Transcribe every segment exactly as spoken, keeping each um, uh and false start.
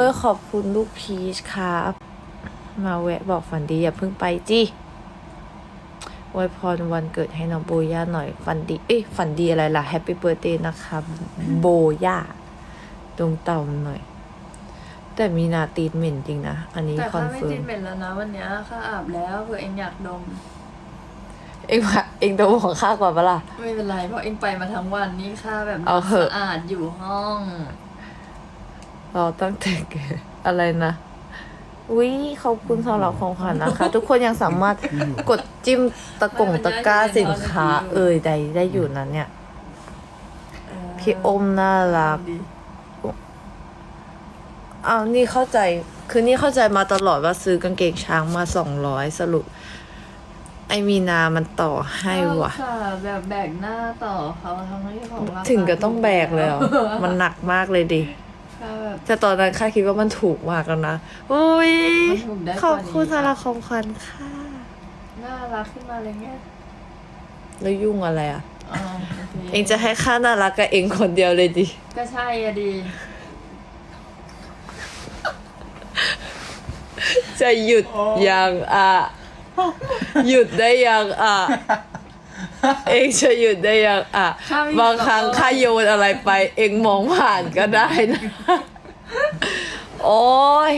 ยขอบคุณลูกพีชครับมาแวะบอกฝันดีอย่าเพิ่งไปจิอวยพรวันเกิดให้น้องโบย่าหน่อยฝันดีเอ้ยฝันดีอะไรล่ะแฮปปี้เบิร์ a เดย์นะคะโบย่าดวงเต่าหน่อยแต่มีนาตีนเหม็นจริงนะอันนี้แต่คอนข้าไม่เฟิร์ติมดเหม็นแล้วนะวันเนี้ยข้าอาบแล้วเผื่อเองอยากดมเองว่าเองโดนของข้ากว่าปะล่ะไม่เป็นไรเพราะเองไปมาทั้งวันนี่ข้าแบบเอาเหอะสะอาดอยู่ห้องเราตั้งแต่เกิดอะไรนะอุ้ยขอบคุณสำหรับของขวัญนะคะ ทุกคนยังสามารถกดจิ้มตะกงตะกร้าสินค้า เอ่ยใดได้อยู่นั้นเนี่ยเออพี่อมน่ารักดีอ้าวนี่เข้าใจคือนี่เข้าใจมาตลอดว่าซื้อกางเกงช้างมาสองร้อยสรุป ไอมีนามันต่อให้ว่ะค่ะแบบแบกหน้าต่อเขาทั้งที่ของราคาถึงก็ต้องแบกเลยเหรอ มันหนักมากเลยดิข้าแบบแต่ตอนนั้นข้าคิดว่ามันถูกมากแล้วนะอุ้ยมันถูกได้กว่านี้ขอบคุณสำหรับของขวัญค่ะน่ารักขึ้นมาเลยไงแล้วยุ่งอะไรอ่ะอ๋อโอเคเองจะให้ข้าน่ารักกับเองคนเดียวเลยดิก็ใช่อะดีจะหยุดยังอ่ะ หยุดได้ยังอ่ะ เองจะหยุดได้ยังอ่ะข้าไม่หยุดบางครั้งหรอกข้าโยนอะไรไป เองมองผ่านก็ได้นะ โอ้ย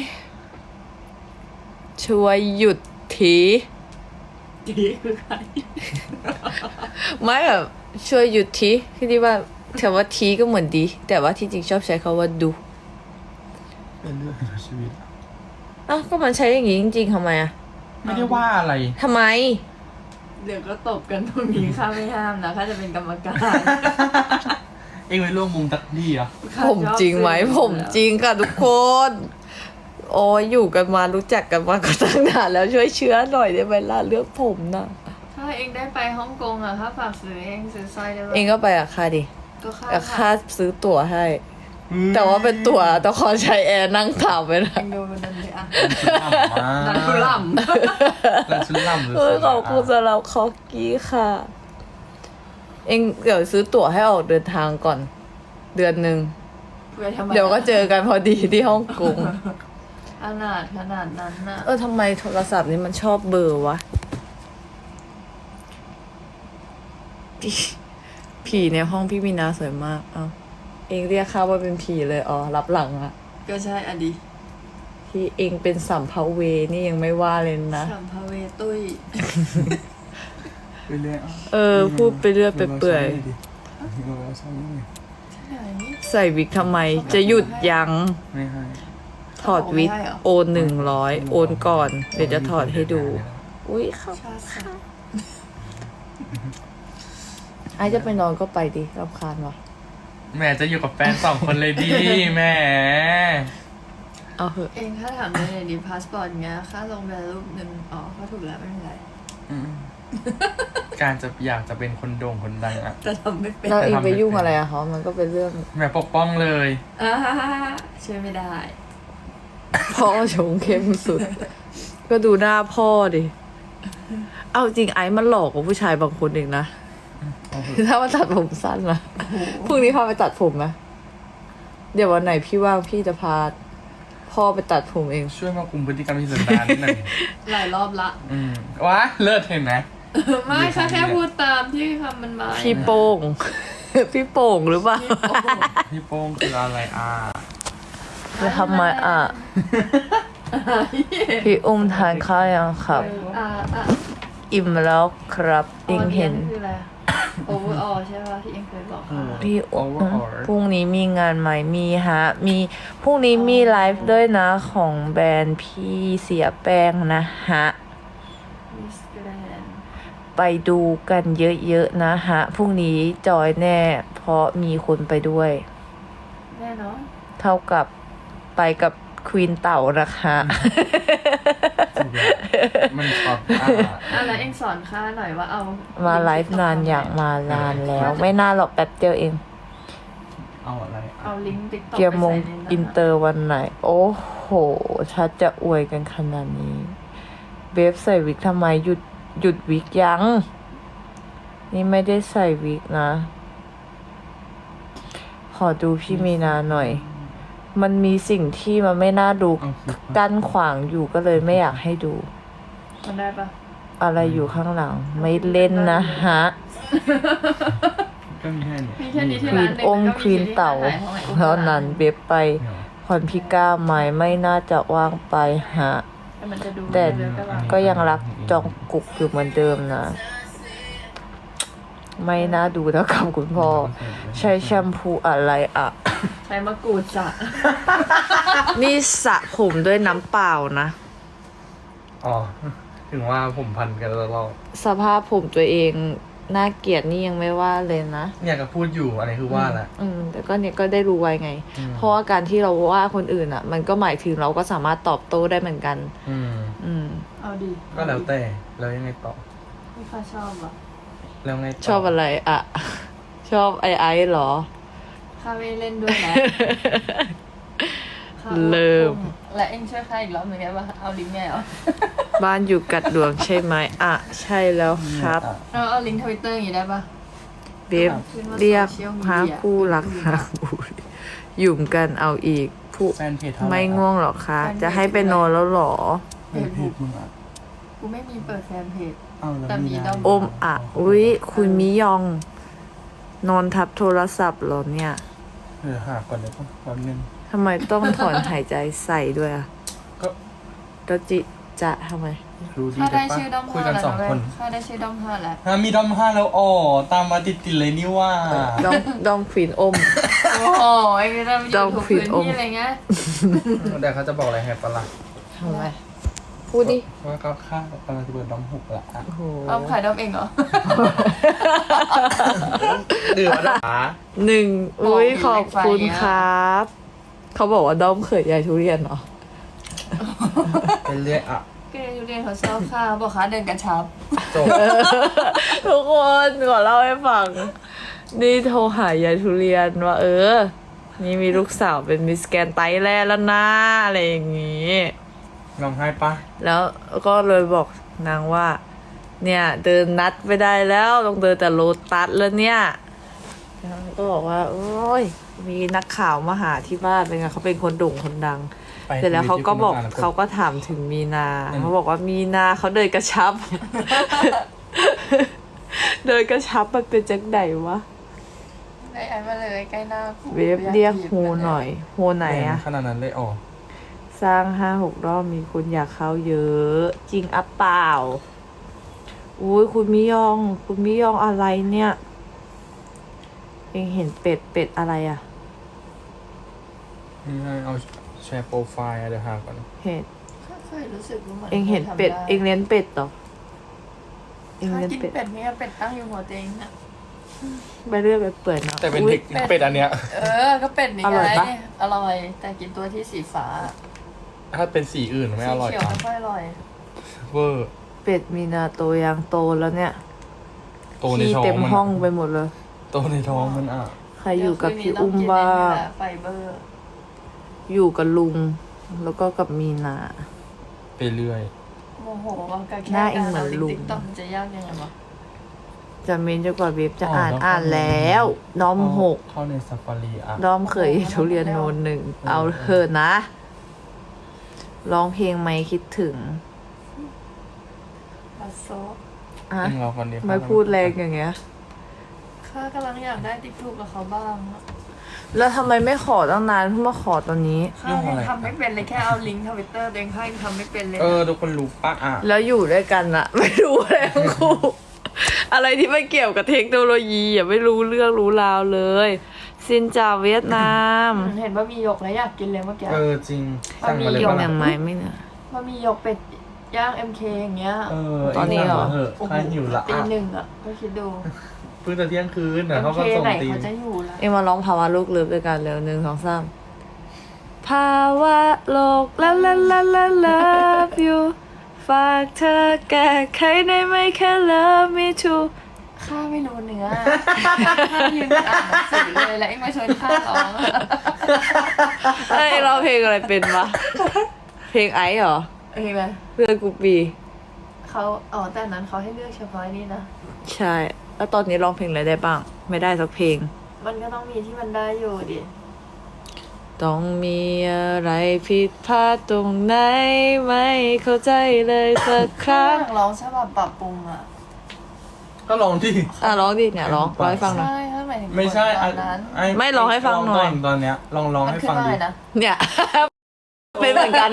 ช่วยหยุดทีดีคือใครไม่แบบช่วยหยุดทีที่ที่ว่าคำว่าทีก็เหมือนดี แต่ว่าที่จริงชอบใช้คำว่าดูเป็นเรื่องของชีวิตอ้าวก็มันใช้อย่างงี้จริงๆทำไมอ่ะไม่ได้ว่าอะไรทำไมเดี๋ยวก็ตบกันตรงนี้ข้าไม่ห้ามนะข้าจะเป็นกรรมการเอ็งไปร่วมมุงตักดีเหรอผมจริงไหมผมจริงค่ะทุกคน โอ้ยอยู่กันมารู้จักกันมาก็ตั้งนานแล้วช่วยเชื้อหน่อยได้ไหมล่ะเรื่องผมนะถ้าเองได้ไปฮ่องกงอะข้าฝากซื้อเองซื้อสร้อยได้ปะเองก็ไปกับข้าดิก็ข้ากับข้าซื้อตั๋วให้ แต่ว่าเป็นตั๋วตะคอนชัยแอร์นั่งถามไปนะเองดูมันนั่นเลยอะนันั่นนคือล่นันชุนล่ำหรือเออขอบคุณสำหรับคอกี้ค่ะ เองเดี๋ยวซื้อตั๋วให้ออกเดินทางก่อน เดือนหนึ่งำเพื่อทำไมเดี๋ยวก็เจอกันพอดีที่ฮ่องกงขนาดขนาดนั้นน่ะเออทำไมโทรศัพท์นี้มันชอบเบลอร์วะผีผีในห้องพี่มีนาสวยมาก เอาเองเรียกข้าว่าเป็นผีเลย อ๋อ รับหลังอะก็ใช่อะดีที่เองเป็นสัมภเวนี่ยังไม่ว่าเลยนะสัมภเวตุ้ยไปเรื่อยเออ พูดไปเรื่อยไปเปื่อย ใส่วิกทำไม จะหยุดยังไม่ให้ถอดวิกไม่ให้เหรอโอนหนึ่งร้อยโอนก่อน เดี๋ยวจะถอดให้ดู อุ้ยครับชาสักไอจะไปนอนก็ไปดิรำคาญวะแม่จะอยู่กับแฟนสองคนเลยดีแม่เอาเหอะเองถ้าถามในไหนดีพาสปอร์ตเงี้ยค่าลงแบบรูปหนึ่งอ๋อก็ถูกแล้วไม่เป็นไรอืมการจะอยากจะเป็นคนโด่งคนดังอ่ะแต่ทำไม่เป็นแล้วเองไปยุ่งอะไรอะเขามันก็เป็นเรื่องแม่ปกป้องเลยอ่าช่วยไม่ได้พ่อชงเข้มสุด ก็ดูหน้าพ่อดิ เอาจริงไอ้มันหลอกกว่าผู้ชายบางคนเองนะ ถ้ามาตัดผมสั้นนะพรุ่งนี้พาไปตัดผมไหมเดี๋ยววันไหนพี่ว่างพี่จะพาพ่อไปตัดผมเองช่วยมาคุมพฤติกรรมที่สันดานนิดหน่อยหลายรอบละอืมว้าเลิศเห็นไหมไม่ค่ะแค่พูดตามที่คำมันมาพี่โป่ง พี่โป่งหรือเปล่าพี่โป้งคืออะไรอ่ะจะทำไมอ่ะ พี่อุ้มทานข้าวยังครับอ่าอ่าอิ่มแล้วครับเองเห็นคืออะไรโอเวอร์ออใช่ป่ะที่เองเคยบอกค่ะพี่อุ้ม Overall พรุ่งนี้มีงานไหมมีฮะ มีพรุ่งนี้มีไลฟ์ด้วยนะของแบรนด์พี่เสียแป้งนะฮะมิสแกรนด์ไปดูกันเยอะๆนะฮะ พรุ่งนี้จอยแน่ เพราะมีคนไปด้วยแน่นอนเท่ากับไปกับควีนเต่านะคะมันช็อตอ่ะอ่ะแล้วเองสอนข้าหน่อยว่าเอามามาไลฟ์นานอยากมานานแล้ว ไม่น่าหรอกแป๊บเดียวเองเอาอะไรอ่ะเอาลิงก์ติ๊กต็อกเกียร์มงอินเตอร์วันไหน โอ้โห ชัดจะอวยกันขนาดนี้ เบฟใส่วิกทำไมหยุดหยุดวิกยัง นี่ไม่ได้ใส่วิกนะ ขอดูพี่มีนาหน่อยมันมีสิ่งที่มันไม่น่าดูเอาคลิปมากั้นขวางอยู่ก็เลยไม่อยากให้ดูมันได้ปะอะไรอยู่ข้างหลัง ไม่เล่นนะฮะก็มีแค่นี้มีแค่นี้ที่ควีร้านนหนึ่งอมแล้วก็ควีนเต่าที่ร้นไหนแล้วนั้นเว็บไปเดี๋ยวพรพิก้าไหมไม่น่าจะว่างไปฮะแต่มันจะดูแต่เยอะก็ร้านก็ยังรักจองกุกอยู่เหมือนเดิมนะ ไม่น่าดูแล้วกับคุณพ่อ ใช้แชมพูอะไรอ่ะใช้มะกรูดสระนี่สระผมด้วยน้ำเปล่านะอ๋อ ถึงว่าผมพันกันตลอดสภาพผมตัวเองน่าเกลียดนี่ยังไม่ว่าเลยนะเนี่ยก็พูดอยู่อันนี้คือว่าแหละอืมแต่ก็เนี่ยก็ได้รู้ไว้ไงอืมเพราะว่าการที่เราว่าคนอื่นอ่ะ มันก็หมายถึงเราก็สามารถตอบโต้ได้เหมือนกันอืมอืมเอาดีก็แล้วแต่แล้วยังไงต่อไม่ค่อยชอบอ่ะแล้วไงต่ชอบอะไรอ่ะ ชอบไอไอเหรอข้าไม่เล่นด้วยนะข้าเริ่มและเอ็งช่วยข้าอีกรอบหนึ่งได้ปะเอาลิงก์ไงเหรอบ้านอยู่กัดดวงใช่ไหมอ่ะ ใช่แล้วครับอ่ะเอาเอาลิงก์ทวิตเตอร์อย่างงี้ได้ปะเบบเรียกหาคู่รักหาบุยหยุ่มกันเอาอีกผู้แฟนเพจเท่าไหร่ไม่ง่วงหรอคะ จะให้ไปนอนแล้วหรอเพจเพจมึงอ่ะกูไม่มีเปิดแฟนเพจเอาแล้วแต่มีมีดอมอมอ่ะ อุ๊ย คุณมิยอง นอนทับโทรศัพท์เหรอเนี่ยเดี๋ยวหาก่อนเดี๋ยวแป๊บนึงทำไมต้องถอนหายใจใส่ด้วยอ่ะก็ก็จิจะทำไมรู้ดีข้าแต่ได้ปะชื่อดอมคุยห้ากันแล้วสองนะเว้คยนข้าได้ชื่อดอมห้าแล้วฮะมีดอมห้าแล้วอ๋อตามมาติดติดๆเลยนี่ว่าดองดองควีนอมโอ้โหไอ้นี่เราอดอยู่ มทุกควีพื้นนอมที่อะไรเงี้ยเดี๋ยวเขาจะบอกอะไรให้ปะล่ะทำไม พูดดิว่าก็ค่ากำลังจะเปิดดอมหกละอ่ะโอ้โหดอมขายดอมเองเหรอเดือดอ่ะหนึ่งอุ้ยบอกขอบคุณอยู่ในไฟอะครับ เขาบอกว่าด้อมเขยยายทุเรียนเหรอเป็นเรื่อยอ่ะก็เลยทุเรียนเขาชอบข้าวบอกค้าเดินกระชับจบทุกคนขอเล่าให้ฟัง นี่โทรหายายทุเรียนว่า เออ นี่มีลูกสาวเป็นมิสแกรนด์ไทยแลนด์แล้วนะอะไรอย่างงี้ร้องไห้ปะแล้วก็เลยบอกนางว่า เนี่ย เดินนัดไม่ได้แล้วต้องเดินแต่โลตัสแล้วเนี่ยนางก็บอกว่า โอ้ย มีนักข่าวมาหาที่บ้านเป็นไงเขาเป็นคนโด่งคนดังไปเสร็จแล้วเขาก็บอกทวิตที่คุณเขาอ่นก็ถามถึงมีนาอืมเขาบอกว่ามีนาเขาเดินกระชับ เดินกระชับมันเป็นจังไหนวะไอ้ไอ้มาเลยใกล้หน้ากูเวฟเรียกโฮหน่อย โฮไหนอะขนาดนั้นเลยอ๋อสร้างห้าหกรอบมีคนอยากเข้าเยอะ จริงอัปเปล่า อุ้ยคุณมิยอง คุณมิยองอะไรเนี่ย เองเห็นเป็ดเป็ดอะไรอะนี่ให้เอาแชร์โปรไฟล์อะเดี๋ยวหาก่อนเห็นเคยรู้สึกว่ามันเองเห็นเป็ด เองเลี้ยงเป็ดเหรอเองถ้าเลี้ยงกินเป็ดเป็ดเนี่ยเป็ดตั้งอยู่หัวเตียงน่ะไปเรื่อยไปเปื่อยเนาะแต่เป็นอุ๊ยเทคเป็ดอันเนี้ยเออ ก็เป็ดนี่อร่ไงอยปะอร่อย แต่กินตัวที่สีฟ้าถ้าเป็นสีอื่นไม่อร่อยสีเขียวอ่ะไม่ค่อยอร่อยเวอร์เป็ดมีนาโตยังโตแล้วเนี่ยโตในขี้ท้องเต็มมันห้องอะไปหมดเลยโตในท้องมันอ่ะใครอยู่กับพี่เดี๋วคืนอุ้มนี้ต้บ้างกินไอ้นี่แหละไฟเบอร์อยู่กับลุง แล้วก็กับมีนาโไปเรื่อยโมโหว่ากับแค่หน้าเองเหมือนลุงติ๊กต็อกมันจะยากยังไงวะจะเมนจนกว่าเว็บจะอ๋ออ่านแล้วอ่านแล้ว น้อมหกเข้าในซาฟารีอ่ะน้อมเคยทุเรียนโนนหนึ่ง เอาเถอะนะ ร้องเพลงไหมคิดถึงปัสโซอ่ะเองรอคนเดียวไม่พูดแรงอย่างเงี้ยข้ากำลังอยากได้ติ๊กถูกกับเขาบ้างอะแล้วทำไมไม่ขอตั้งนานเพิ่งมาขอตอนนี้ข้ายังทำไม่เป็นเลยแค่เอาลิงก์ทวิตเตอร์ตัวเองข้ายังทำไม่เป็นเลยเออทุกคนรู้ปะอ่ะแล้วอยู่ด้วยกันอะ ไม่รู้อะไรทั้งคู่ อะไรที่ไม่เกี่ยวกับเทคโนโลยีอย่าไม่รู้เรื่องรู้ราวเลยซินจ่าเวียดนามเห็นว่ามีหยกแล้วอยากกินเลยเมื่อกี้เออจริงสั่งมาเลยยปะงล่ะยังไงไม่เนี่ยว่ามีหยกเป็ดย่าง เอ็ม เค อย่างเงี้ยเออตอนนี้เหรองสั่งมาเถอะข้าหิวละตีอ่ะหนึ่งอ่ะก็คิดดูเพิ่งจะเที่ยงคืนเอ็เดี๋ยวมเขาเคก็ส่งไหนตีมเขาจะอยู่ล่ะเอ็มมาร้องภาวะโลกเลิฟด้วยกันเร็วหนึ่งสองสามภาวะโลกลาลาลาลา love you ฝากเธอแก้ไขได้ไหมแค่ love me too ข้าไม่รู้เนื้อข้ายืนอ่านหนังสือเลยแล้วเอ็งมาชวนข้าร้องเอ้ยเราเพลงอะไรเป็นวะ เพลงไอซ์เหรอโอเคไหมเพื่อนกูปีเขาอ๋อแต่อันนั้นเขาให้เลือกเฉพาะนี่นะใช่ แล้วตอนนี้ร้องเพลงอะไรได้บ้าง ไม่ได้สักเพลงมันก็ต้องมีที่มันได้อยู่ดิต้องมีอะไรผิดพลาดตรงไหนไม่เข้าใจเลยสักครั้งอยากร้องฉบับปรับปรุงอ่ะก็ลองที่อ่ะร้องดิเนี่ยร้องร้องให้ฟังหน่อยใช่ถ้าหมายถึงไม่ใช่ตอ่ะอนนั้นอ้ไม่ลองให้ฟังหน่อยลก่ตอนเนี้ยลองลองมันให้ขึ้นฟังว่าอะดิไรนะเนี่ย เป็นเหมือนกัน